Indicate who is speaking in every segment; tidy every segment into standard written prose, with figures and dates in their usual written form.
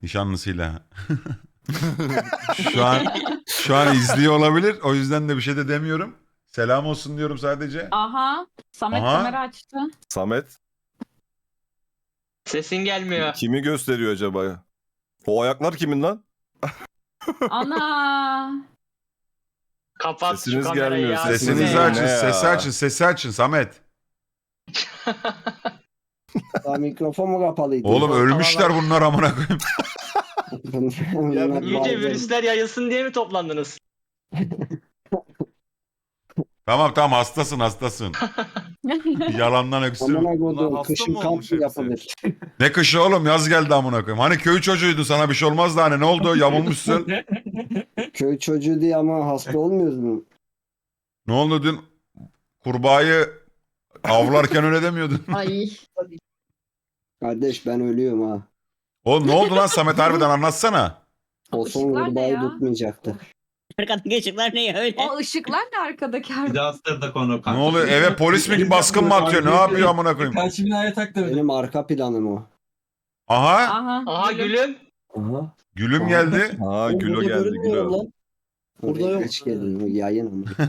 Speaker 1: Nişanlısıyla. Şu an şu an izliyor olabilir. O yüzden de bir şey de demiyorum. Selam olsun diyorum sadece.
Speaker 2: Aha. Samet kamera
Speaker 1: Aha.
Speaker 2: açtı.
Speaker 3: Samet
Speaker 4: Sesin gelmiyor.
Speaker 3: kimi gösteriyor acaba? O ayaklar kimin lan?
Speaker 2: Ana.
Speaker 4: Kapat
Speaker 3: Sesiniz
Speaker 4: şu kamerayı
Speaker 3: gelmiyor,
Speaker 4: ya.
Speaker 3: sesiniz
Speaker 1: Sesinizi
Speaker 3: gelmiyor.
Speaker 1: açın,
Speaker 3: Ne ya?
Speaker 1: sesi açın, sesi açın Samet.
Speaker 5: Daha mikrofon mu kapalıydı?
Speaker 1: Oğlum
Speaker 4: Tamam,
Speaker 1: ölmüşler
Speaker 4: tamam.
Speaker 1: bunlar amına koyayım.
Speaker 5: Bunlar
Speaker 4: İyice
Speaker 5: bazen-
Speaker 4: virüsler yayılsın diye mi toplandınız?
Speaker 1: Tamam tamam hastasın hastasın. Yalandan öksürüm.
Speaker 5: Amına
Speaker 3: Bunlar
Speaker 5: koyduğum
Speaker 3: hasta
Speaker 5: kışın
Speaker 3: mı
Speaker 5: kamp
Speaker 3: olmuş
Speaker 5: mı
Speaker 3: hepsi?
Speaker 5: yapılır?
Speaker 1: Ne kışı oğlum yaz geldi amına koyayım. Hani köy çocuğuydu sana bir şey olmaz da hani ne oldu yamulmuşsun.
Speaker 5: Köy çocuğu diye ama hasta olmuyoruz mu?
Speaker 1: Ne oldu dün kurbağayı avlarken öyle demiyordun.
Speaker 2: Ay.
Speaker 5: Kardeş ben ölüyorum ha.
Speaker 1: Oğlum ne oldu lan Samet harbiden anlatsana.
Speaker 5: O son
Speaker 2: Işıklar ne
Speaker 5: kurbağayı
Speaker 2: ya?
Speaker 5: tutmayacaktı.
Speaker 6: Arkadaki ışıklar ne ya öyle?
Speaker 2: O ışıklar ne arkadaki?
Speaker 7: Bir daha astırdık onu.
Speaker 1: Ne oluyor eve polis mi baskın mı atıyor ne yapıyor amına koyayım.
Speaker 7: Karşı binaya taktı.
Speaker 5: Benim arka planım o.
Speaker 1: Aha
Speaker 2: Aha.
Speaker 4: Aha gülüm.
Speaker 5: Aha.
Speaker 1: gülüm geldi.
Speaker 3: Aa Gülo geldi Gülo.
Speaker 5: Burada yok. Geç geldin bu yayın ama.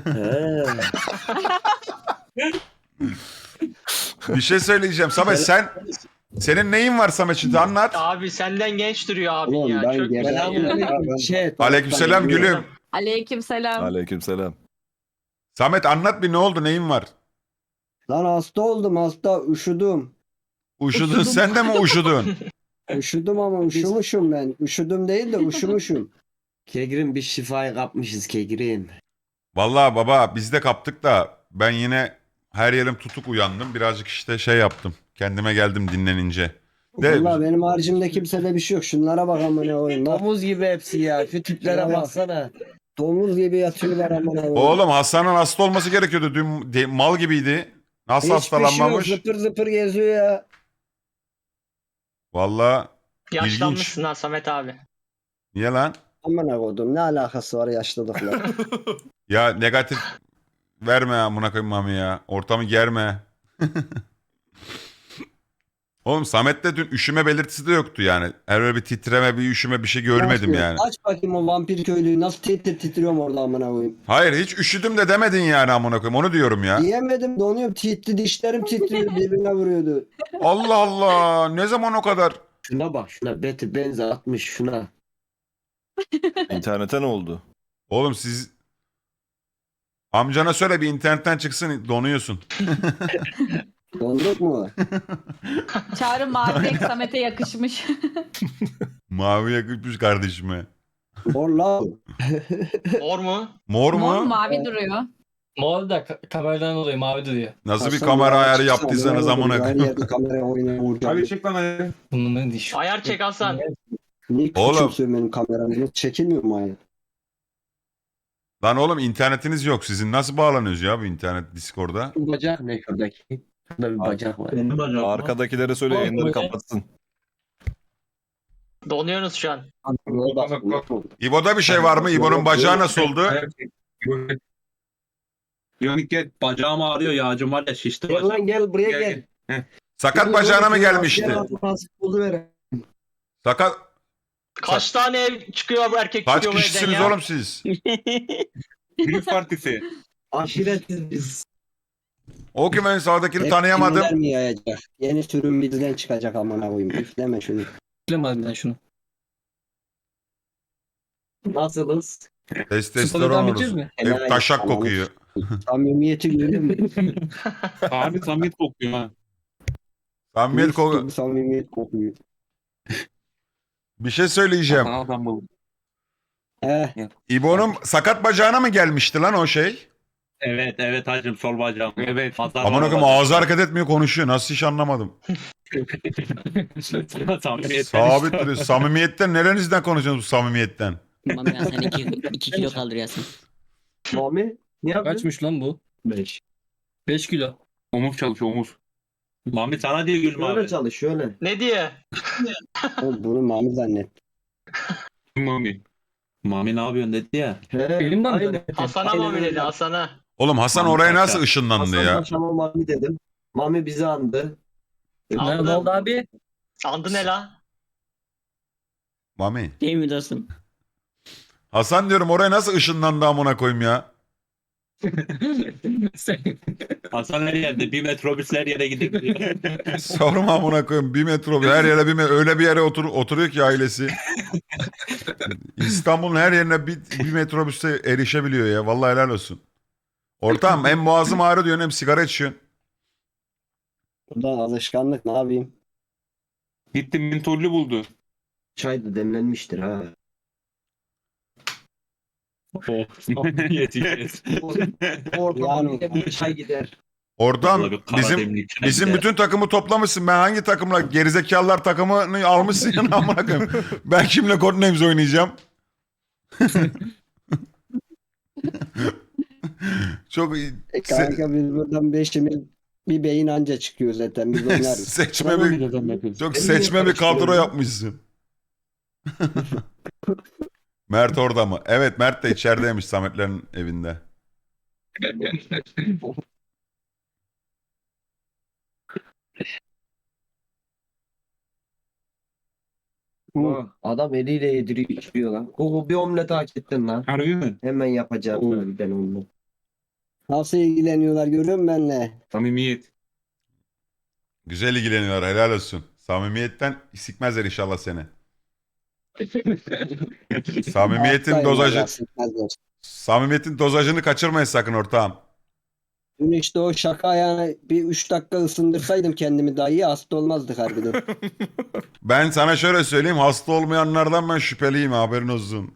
Speaker 1: Bir şey söyleyeceğim Samet senin neyin var Samet şimdi anlat.
Speaker 4: Abi senden genç duruyor abin
Speaker 5: Oğlum
Speaker 4: ya.
Speaker 5: ben
Speaker 4: Çok güzel ya.
Speaker 5: gelen
Speaker 1: Aleykümselam gülüm.
Speaker 2: Aleykümselam.
Speaker 3: Aleykümselam.
Speaker 1: Samet anlat bir ne oldu neyin var?
Speaker 5: Lan hasta oldum hasta üşüdüm.
Speaker 1: Uşudun sen de mi uşudun?
Speaker 5: Üşüdüm ama üşümüşüm ben. Üşüdüm değil de üşümüşüm.
Speaker 8: Kegrin bir şifayı kapmışız Kegrin.
Speaker 1: Vallahi baba biz de kaptık da ben yine her yerim tutuk uyandım. Birazcık işte şey yaptım. Kendime geldim dinlenince. De,
Speaker 5: Valla benim haricimde kimsede bir şey yok. Şunlara bak amına koyayım. Bak,
Speaker 8: Domuz gibi hepsi ya. Şu tiplere
Speaker 5: Ya.
Speaker 8: baksana.
Speaker 5: domuz gibi yatıyorlar amına koyayım.
Speaker 1: oğlum Hasan'ın hasta olması gerekiyordu. Dün mal gibiydi. Nasıl
Speaker 5: Hiçbir şey yok.
Speaker 1: hastalanmamış?
Speaker 5: Zıpır zıpır geziyor ya.
Speaker 1: Vallahi
Speaker 4: Yaşlanmışsın ha Samet abi.
Speaker 1: niye lan?
Speaker 5: Amına koydum. Ne alakası var yaşlılıkla?
Speaker 1: Ya negatif verme amına koyayım mami ya. Ortamı germe. Oğlum Samet'te dün üşüme belirtisi de yoktu yani. Öyle bir titreme, bir üşüme bir şey görmedim yani.
Speaker 5: Aç bakayım o vampir köylüyü. Nasıl titriyorum orada amına koyayım.
Speaker 1: Hayır hiç üşüdüm de demedin yani amına koyayım. Onu diyorum ya.
Speaker 5: Yiyemedim donuyorum. Dişlerim titriyor. Birbirine vuruyordu.
Speaker 1: Allah Allah. Ne zaman o kadar?
Speaker 8: Şuna bak şuna. Beti benzi atmış şuna.
Speaker 3: İnternete ne oldu?
Speaker 1: Oğlum siz amcana söyle bir internetten çıksın donuyorsun.
Speaker 5: Donduk mu?
Speaker 2: Çağrı mavi renk Samet'e yakışmış.
Speaker 1: Mavi yakışmış kardeşime.
Speaker 5: Mor la.
Speaker 4: Mor mu?
Speaker 1: Mor mu?
Speaker 2: Mor mavi duruyor.
Speaker 7: Mor da kameradan dolayı mavi duruyor.
Speaker 1: Nasıl bir
Speaker 5: Hasan
Speaker 1: kamera
Speaker 5: ya,
Speaker 1: ayarı
Speaker 5: çıksana,
Speaker 1: yaptıysanız amına
Speaker 5: Her
Speaker 1: koyayım.
Speaker 5: yerde kamera oynaya vuracağım.
Speaker 7: Abi çek lan ayağı. Bunun ne diş?
Speaker 4: Ayar çek Hasan.
Speaker 5: Niye
Speaker 1: Oğlum.
Speaker 5: küçümsüyor benim kameramı? Çekilmiyor mu hayır?
Speaker 1: Lan oğlum internetiniz yok. Sizin nasıl bağlanıyoruz ya bu internet Discord'a?
Speaker 8: Şu bacak ne şuradaki? Şurada bir bacak var.
Speaker 7: Benim bacağım.
Speaker 3: Arkadakilere söyle yayınları kapatsın.
Speaker 4: Donuyorsunuz şu an.
Speaker 5: Bak,
Speaker 1: İbo'da bir şey var mı? İbo'nun bacağı nasıl oldu?
Speaker 7: Ayak çek. Yonik gel. Bacağım ağrıyor ya. Acım var ya şişti
Speaker 8: Gel
Speaker 7: bacağım.
Speaker 8: lan gel buraya gel.
Speaker 1: Sakat bacağına mı gelmişti?
Speaker 5: Oldu
Speaker 1: Sakat...
Speaker 4: Kaç tane ev çıkıyor bu erkek
Speaker 1: Kaç
Speaker 4: çıkıyor bu evden
Speaker 1: kişisiniz
Speaker 4: ya?
Speaker 1: oğlum siz?
Speaker 7: Büyük partisi.
Speaker 8: Aşiretiz biz.
Speaker 1: O ki ben sağdakini tanıyamadım.
Speaker 5: Kimler mi yayacak? Yeni sürüm bizden çıkacak amına koyayım. Üfleme şunu.
Speaker 7: Üfleme harbiden şunu.
Speaker 8: Nasılız?
Speaker 1: Testosteron
Speaker 7: devam
Speaker 1: oluruz.
Speaker 7: edeceğiz mi?
Speaker 1: Ev taşak kokuyor.
Speaker 5: Samimiyeti görüyor musun?
Speaker 7: Abi samimiyet kokuyor ha.
Speaker 1: Samimiyet
Speaker 5: Mis
Speaker 1: koku...
Speaker 5: gibi Samimiyet kokuyor.
Speaker 1: Bir şey söyleyeceğim.
Speaker 7: Adam bu.
Speaker 1: İbo'nun sakat bacağına mı gelmişti lan o şey?
Speaker 7: Evet hacım sol bacağım. Evet.
Speaker 1: Amına koyayım ağzı hareket etmiyor konuşuyor. Nasıl hiç anlamadım.
Speaker 7: Samimiyet.
Speaker 1: Sabit duruyor. Samimiyetten nerenizden konuşuyorsunuz bu samimiyetten?
Speaker 6: Mami ya sen 2 kilo kaldırıyorsun.
Speaker 8: Mami ne yapıyorsun?
Speaker 7: Kaçmış lan bu? 5. 5 kilo. Omuz çalışıyor omuz. Mami sana diye gülme
Speaker 8: Şöyle
Speaker 7: abi.
Speaker 8: çalış şöyle.
Speaker 4: Ne diye?
Speaker 5: Oğlum bunu mami zannet.
Speaker 7: Mami. Mami ne yapıyorsun dedi ya.
Speaker 8: He,
Speaker 7: Elimden mi?
Speaker 8: aynen.
Speaker 4: Hasan'a
Speaker 8: Aynen
Speaker 4: mı dedi
Speaker 8: öyle.
Speaker 4: Hasan'a?
Speaker 1: Oğlum Hasan
Speaker 7: Mami
Speaker 1: oraya
Speaker 7: paşa.
Speaker 1: nasıl ışınlandı
Speaker 8: Hasan
Speaker 1: ya?
Speaker 8: Paşa'ma Mami dedim. Mami bizi andı.
Speaker 4: Andı.
Speaker 7: Ne oldu abi?
Speaker 4: Andı ne la?
Speaker 1: Mami.
Speaker 6: Değil mi dostum?
Speaker 1: Hasan diyorum oraya nasıl ışınlandı amına koyayım ya.
Speaker 7: Hasan her yerde. Bir metrobüs her yere gidebiliyor.
Speaker 1: Sorma amına koyayım. Bir metro her yere öyle bir yere oturuyor ki ailesi. İstanbul'un her yerine bir metrobüste erişebiliyor ya. Vallahi helal olsun. Ortam hem boğazım ağrıyor diyorsun hem sigara içiyorsun.
Speaker 5: Buradan alışkanlık ne yapayım?
Speaker 7: Gitti mentollü buldu.
Speaker 8: Çay da demlenmiştir ha.
Speaker 7: Yetişiriz.
Speaker 8: Ortama
Speaker 5: Yani-
Speaker 8: bir de bir çay gider.
Speaker 1: Oradan
Speaker 7: Vallahi bir kara
Speaker 1: bizim
Speaker 7: demlik çay
Speaker 1: bizim
Speaker 7: gider.
Speaker 1: bütün takımı toplamışsın. Ben hangi takımla gerizekalılar takımını almışsın ya amına koyayım. Ben kimle Codenames oynayacağım? Çok iyi.
Speaker 5: Kanka biz buradan beşimiz bir beyin anca çıkıyor zaten biz oynarız.
Speaker 1: Seçme bir çok seçme bir kadro yapmışsın. Mert orada mı? Evet, Mert de içerideymiş Sametlerin evinde.
Speaker 8: Adam eliyle yediriyor içiyor lan. Google bir omlet hak ettin lan.
Speaker 7: Harbi mi?
Speaker 8: Hemen yapacağım ben onu.
Speaker 5: Nasıl ilgileniyorlar görüyor musun benimle?
Speaker 7: Samimiyet.
Speaker 1: Güzel ilgileniyorlar, helal olsun. Samimiyetten sikmezler inşallah seni. Samimiyetin
Speaker 5: Alttayım
Speaker 1: dozajı,
Speaker 5: vallahi, sıkmazlar.
Speaker 1: samimiyetin dozajını kaçırmayın sakın ortağım.
Speaker 5: Dün işte o şaka ayağına bir 3 dakika ısındırsaydım kendimi daha iyi hasta olmazdık harbiden.
Speaker 1: Ben sana şöyle söyleyeyim, hasta olmayanlardan ben şüpheliyim, haberin olsun.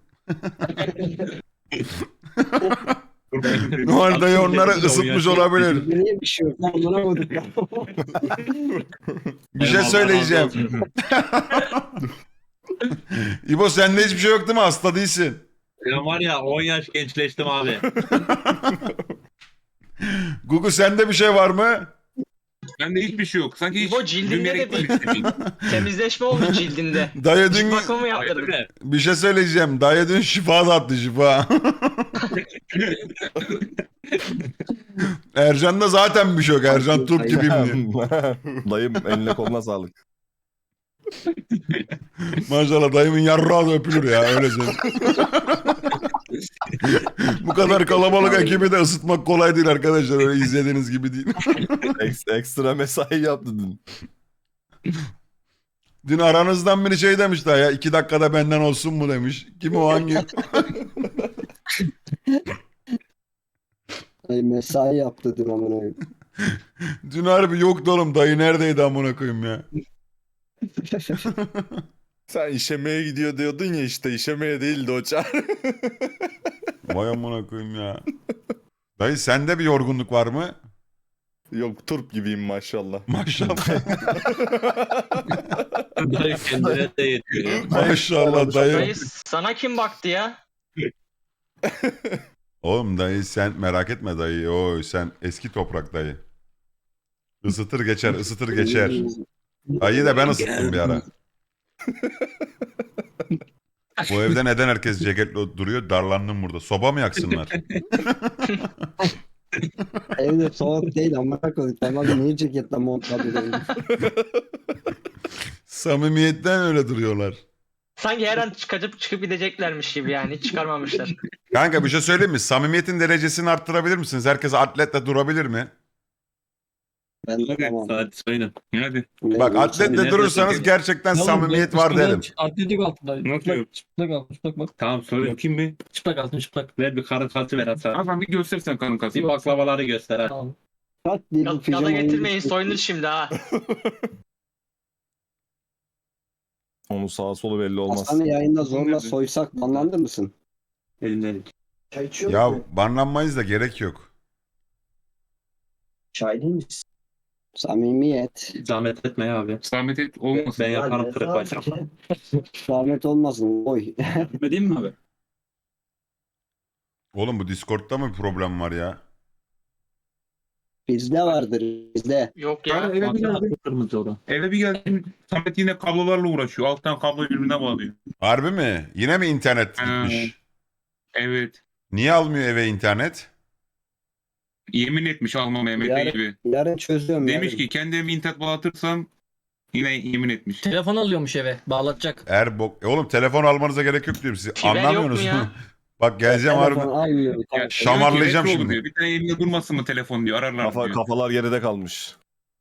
Speaker 1: Noel dayı onları ısıtmış olabilir.
Speaker 5: Niye bir şey yok? Lan buna vurduk ya.
Speaker 1: Bir şey söyleyeceğim. İbo sende hiçbir şey yok değil mi? Hasta değilsin.
Speaker 7: Ben var ya 10 yaş gençleştim abi.
Speaker 1: Gugu sende bir şey var mı?
Speaker 7: Bende hiçbir şey yok. Sanki hiç
Speaker 4: İbo cildinde
Speaker 7: düğmeye
Speaker 4: de
Speaker 7: gitmemiş gibiyim.
Speaker 4: Temizleşme oldu cildinde.
Speaker 1: Dayı
Speaker 4: Cilt
Speaker 1: dün
Speaker 4: bakımı mı yaptırdın?
Speaker 7: Öyle.
Speaker 1: bir şey söyleyeceğim. Dayı dün şifa da attı şifa. Ercan'da zaten bir şey yok. Ercan turp gibiyim diye.
Speaker 3: Dayım eline koluna sağlık.
Speaker 1: Maşallah dayımın yarrağı da öpülür ya öyle söyleyeyim. Bu kadar kalabalık ekibi de ısıtmak kolay değil arkadaşlar. Öyle izlediğiniz gibi değil.
Speaker 3: Ekstra mesai yaptı dün.
Speaker 1: Dün aranızdan biri şey demiş daha ya 2 dakikada benden olsun mu demiş. Kim o hangi?
Speaker 5: Ay, mesai yaptı dün amına koyayım.
Speaker 1: Dün harbi yoktu oğlum dayı neredeydi amına koyayım ya.
Speaker 3: Sen işemeye gidiyor diyordun ya işte işemeye değildi o çağrı.
Speaker 1: Vay amına koyayım ya. Dayı sende bir yorgunluk var mı?
Speaker 3: Yok turp gibiyim maşallah.
Speaker 1: Maşallah.
Speaker 7: Dayı kendine de yetiyor.
Speaker 1: Maşallah dayı.
Speaker 4: Dayı sana kim baktı ya?
Speaker 1: Oğlum dayı sen merak etme dayı. Oy sen eski toprak dayı. Isıtır geçer, ısıtır geçer. Dayı da ben ısıttım bir ara. Bu evde neden herkes ceketli duruyor? Darlandım burada. Soba mı yaksınlar?
Speaker 5: Evde soğuk değil amına koyayım. Tamam niye ceketle montladı?
Speaker 1: Samimiyetten öyle duruyorlar.
Speaker 4: Sanki her an çıkıp gideceklermiş gibi yani. Hiç çıkarmamışlar.
Speaker 1: Kanka bir şey söyleyeyim mi? Samimiyetin derecesini arttırabilir misiniz? Herkes atletle durabilir mi?
Speaker 5: Ben
Speaker 7: Hadi
Speaker 5: tamam.
Speaker 7: saat sayın. Hadi.
Speaker 1: Bak atletle
Speaker 7: nerede
Speaker 1: durursanız
Speaker 7: çekelim?
Speaker 1: gerçekten samimiyet var derim.
Speaker 9: Atletik altında.
Speaker 7: Nasıl yok?
Speaker 9: Çıplak altın, çıplak bak.
Speaker 7: Tamam söyle bakayım bir.
Speaker 9: Çıplak altın, çıplak.
Speaker 7: Ver bir karın katı ver Hasan.
Speaker 10: Hasan bir göstersen kanın
Speaker 7: Bir
Speaker 10: kasını.
Speaker 7: baklavaları göster hadi.
Speaker 9: Tamam.
Speaker 5: Kat diye bir
Speaker 4: Gaza
Speaker 5: pijamayı-
Speaker 4: getirmeyin soyunur şimdi ha.
Speaker 3: Onun sağa solu belli olmaz.
Speaker 5: Hasan'ı yayında zorla soysak banlandı mısın?
Speaker 7: Elinden.
Speaker 8: Çay içiyor
Speaker 1: Ya
Speaker 8: musun?
Speaker 1: banlanmayız da gerek yok.
Speaker 8: Çay değil misin?
Speaker 5: Samimiyet.
Speaker 7: Zahmet etme ya abi.
Speaker 10: Zahmet et olmasın.
Speaker 7: Ben yaparım
Speaker 8: Hadi,
Speaker 7: kırık
Speaker 8: hadi.
Speaker 7: bacak.
Speaker 5: Zahmet olmasın. Oy.
Speaker 10: Etmedin mi abi?
Speaker 1: Oğlum bu Discord'da mı bir problem var ya?
Speaker 5: Bizde vardır bizde.
Speaker 4: Yok
Speaker 10: Yani
Speaker 4: ya.
Speaker 10: eve bir geldim.
Speaker 7: Kırmızı orada.
Speaker 10: Eve bir geldim. Samet yine kablolarla uğraşıyor. Alttan kabloyu birbirine bağlıyor.
Speaker 1: Harbi mi? Yine mi internet
Speaker 10: Ha.
Speaker 1: gitmiş?
Speaker 10: Evet.
Speaker 1: Niye almıyor eve internet?
Speaker 10: Yemin etmiş alma Mehmet'e
Speaker 5: Yani-
Speaker 10: gibi.
Speaker 5: Yarın çözüyorum.
Speaker 10: Demiş
Speaker 5: yarın.
Speaker 10: ki kendi evime internet bağlatırsam Yine yemin etmiş.
Speaker 9: Telefon alıyormuş eve. Bağlatacak.
Speaker 1: Oğlum telefon almanıza gerek yok diyorum size.
Speaker 4: Fiber yok
Speaker 1: Anlamıyorsunuz
Speaker 4: mu ya?
Speaker 1: mu? Bak geleceğim
Speaker 5: Telefon
Speaker 1: harbi.
Speaker 5: almıyor.
Speaker 10: Ya,
Speaker 1: Şamarlayacağım
Speaker 10: diyor ki,
Speaker 1: şimdi.
Speaker 10: Diyor. Bir tane elinde durmasın mı telefon diyor. Ararlar diyor.
Speaker 3: Kafalar geride kalmış.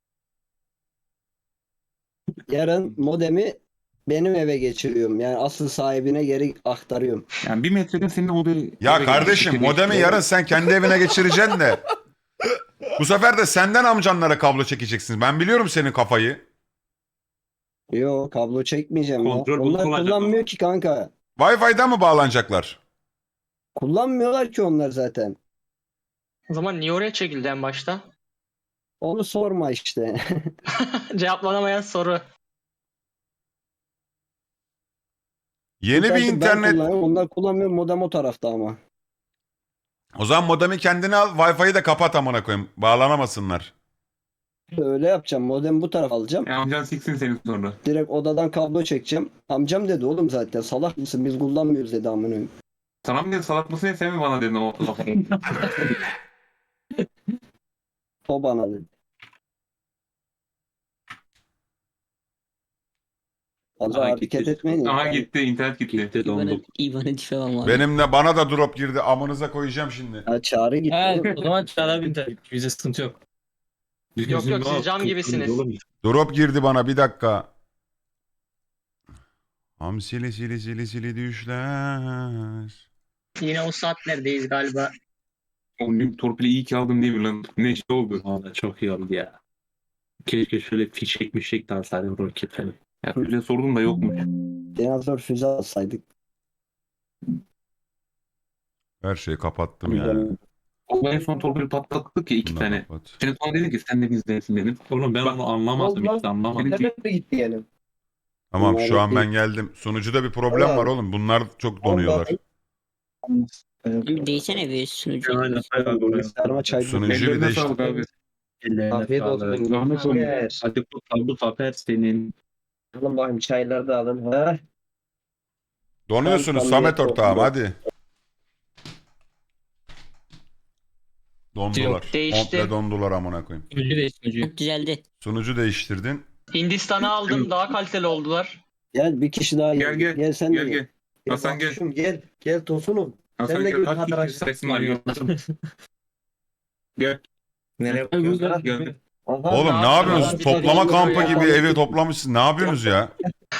Speaker 5: Yarın modemi benim eve geçiriyorum. Yani asıl sahibine geri aktarıyorum.
Speaker 10: Yani 1 metrede senin odayı...
Speaker 1: Ya kardeşim modemi yarın sen kendi evine geçireceksin de. Bu sefer de senden amcanlara kablo çekeceksin. Ben biliyorum senin kafayı.
Speaker 5: Yo, kablo çekmeyeceğim ya.
Speaker 7: Kontrol
Speaker 5: Onlar
Speaker 7: bozulacak
Speaker 5: kullanmıyor
Speaker 7: ama.
Speaker 5: ki kanka.
Speaker 1: Wi-Fi'den mı bağlanacaklar?
Speaker 5: Kullanmıyorlar ki onlar zaten.
Speaker 4: O zaman niye oraya çekildi en başta?
Speaker 5: Onu sorma işte.
Speaker 4: Cevaplanamayan soru.
Speaker 1: Yeni bir
Speaker 5: Ben
Speaker 1: internet.
Speaker 5: kullanıyorum, onlar kullanmıyor. Modem o tarafta ama.
Speaker 1: O zaman modemi kendine al. Wi-Fi'yi de kapat amına koyayım. Bağlanamasınlar.
Speaker 5: Öyle yapacağım. Modemi bu tarafa alacağım.
Speaker 10: Ya amcan siksin seni sonra.
Speaker 5: Direkt odadan kablo çekeceğim. Amcam dedi oğlum zaten. Salak mısın? Biz kullanmıyoruz dedi amına koyayım.
Speaker 10: Sana mı dedin salak mısın ya sen mi bana dedin o lafı?
Speaker 5: O bana dedi. Fazla
Speaker 7: Aha,
Speaker 5: hareket
Speaker 7: gitti.
Speaker 5: etmeyin.
Speaker 10: Aha gitti internet gitti.
Speaker 7: Gitti dondu.
Speaker 6: İvan'ı tipe var.
Speaker 1: Bana da drop girdi. Amınıza koyacağım şimdi.
Speaker 5: Ha, çağrı gitti.
Speaker 9: He, o zaman Çağrı abi bize sıkıntı yok.
Speaker 4: Yok yok siz cam gibisiniz.
Speaker 1: Drop girdi bana bir dakika. Hamsili sili sili sili düşler.
Speaker 4: Yine o saatlerdeyiz galiba.
Speaker 10: O torpili iyi ki aldım değil mi lan? Ne şey oldu?
Speaker 7: Valla çok iyi oldu ya. Keşke şöyle fişek de alsaydım roket falan.
Speaker 10: Ya öyle sordum da yokmuş.
Speaker 5: Dinozor füze alsaydık.
Speaker 1: Her şeyi kapattım ya.
Speaker 10: O en son torpili patlattık ya 2
Speaker 1: Bundan
Speaker 10: tane.
Speaker 1: kapat.
Speaker 10: Sen sonra dedin ki sen de bizdensin dedim.
Speaker 7: Oğlum ben onu anlamadım
Speaker 8: Olmaz.
Speaker 7: işte anlamadım.
Speaker 8: İnternet mi gitti yani?
Speaker 1: Tamam şu an
Speaker 5: Bunlar
Speaker 1: ben geldim. Sunucuda bir problem var oğlum. Bunlar çok donuyorlar.
Speaker 6: Bir değsene bir sunucu.
Speaker 7: Aynen.
Speaker 5: Bilgisayarıma çay
Speaker 1: Sunucu bir
Speaker 10: Ellerine
Speaker 1: değiştir.
Speaker 10: sağlık abi.
Speaker 8: Afiyet olsun.
Speaker 10: Rahmet olsun.
Speaker 8: Yes.
Speaker 7: Hadi bu zafer senin.
Speaker 8: Alın bakayım çayları da alın. Ha?
Speaker 1: Donuyorsunuz
Speaker 5: Tam
Speaker 1: Samet
Speaker 5: tam
Speaker 1: ortağım
Speaker 5: yok.
Speaker 1: hadi. Dondular.
Speaker 4: Değişti.
Speaker 1: Komple dondular amına koyayım.
Speaker 9: Sunucu değil sunucu.
Speaker 6: Düzeldi.
Speaker 1: Sunucu değiştirdin.
Speaker 4: Hindistan'ı aldım daha kaliteli oldular.
Speaker 5: Gel bir kişi daha
Speaker 10: Gel
Speaker 5: gel.
Speaker 10: gel.
Speaker 5: Sen de
Speaker 10: Gel gel. Hasan gel.
Speaker 8: Bakışım, gel. Gel Tosun'um.
Speaker 10: Hasan
Speaker 8: Sen de
Speaker 10: gel.
Speaker 8: gel
Speaker 10: Kaç
Speaker 8: kadraj.
Speaker 10: kişi sayısın var ya? Gel.
Speaker 8: Nereye
Speaker 9: Ay, güzel.
Speaker 8: bakıyorsun?
Speaker 10: Gel.
Speaker 8: Aha.
Speaker 1: Oğlum ne
Speaker 4: Rahat
Speaker 1: yapıyorsunuz?
Speaker 4: rahat
Speaker 1: Toplama
Speaker 4: bir
Speaker 1: kampı
Speaker 4: ya.
Speaker 1: gibi evi toplamışsınız. Ne yapıyorsunuz ya?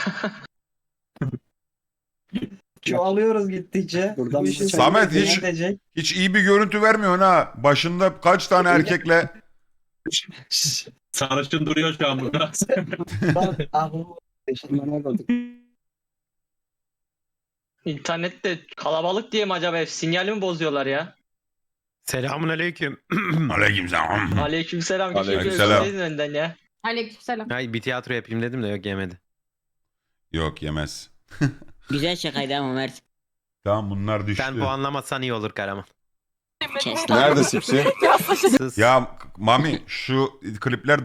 Speaker 8: Çoğalıyoruz gittikçe.
Speaker 5: Buradan
Speaker 8: Bu
Speaker 5: bir
Speaker 8: işin
Speaker 5: çay-
Speaker 1: Samet,
Speaker 8: sonu
Speaker 1: hiç-
Speaker 8: gidecek.
Speaker 1: Hiç iyi bir görüntü vermiyorsun ha. Başında kaç tane erkekle
Speaker 7: Sarışın duruyor şu an burada.
Speaker 8: Bak aklım.
Speaker 5: Bana koyduk.
Speaker 4: İnternette kalabalık diye mi acaba sinyali mi bozuyorlar ya?
Speaker 11: Selamun aleyküm.
Speaker 1: aleykümselam.
Speaker 4: Aleykümselam.
Speaker 1: Aleykümselam.
Speaker 4: Aleykümselam. Önden ya.
Speaker 2: Aleykümselam.
Speaker 11: Ay bir tiyatro yapayım dedim de yok yemedi.
Speaker 1: Yok yemez.
Speaker 6: Güzel şakaydı ama Mert.
Speaker 1: Tamam bunlar düştü.
Speaker 11: Sen puanlamazsan iyi olur Karaman.
Speaker 6: Kes lan.
Speaker 3: Nerede Sipsi?
Speaker 11: Sus.
Speaker 1: Ya Mami şu klipler